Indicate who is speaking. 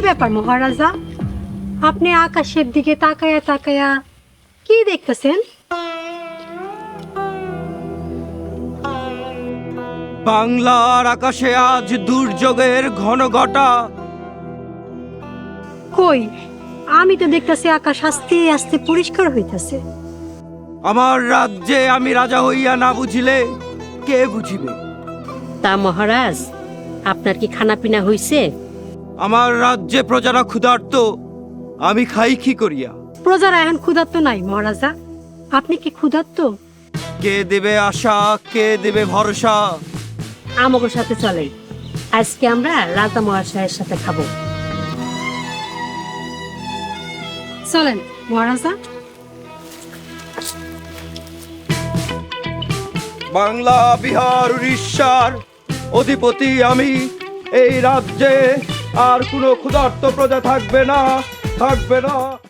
Speaker 1: ব্যাপার মহারাজা, আপনি আকাশের দিকে তাকায়া তাকায়া কি দেখতেছেন?
Speaker 2: বাংলার আকাশে আজ দুর্যোগের ঘন ঘটা।
Speaker 1: কই, আমি তো দেখতেছি আকাশ আস্তে আস্তে পরিষ্কার হইতাছে।
Speaker 2: আমার রাজ্যে আমি রাজা হইয়া না বুঝিলে কে বুঝিবে?
Speaker 3: তা মহারাজ, আপনার কি খানা পিনা হইছে?
Speaker 2: আমার রাজ্যে প্রজারা ক্ষুধার্ত, আমি খাই কি করিয়া?
Speaker 1: প্রজারা এখন ক্ষুধার্ত নাই মহারাজা, আপনি কি ক্ষুধার্ত?
Speaker 2: কে দেবে আশা, কে দেবে ভরসা?
Speaker 3: আমাদের সাথে চলেন, আজকে আমরা রাজা মহাশয়ের সাথে খাবো।
Speaker 1: চলেন মহারাজা।
Speaker 2: বাংলা, বিহার, উড়িষ্যার অধিপতি আমি। এই রাজ্যে আর কোনো ক্ষুধার্ত প্রজা থাকবে না, থাকবে না।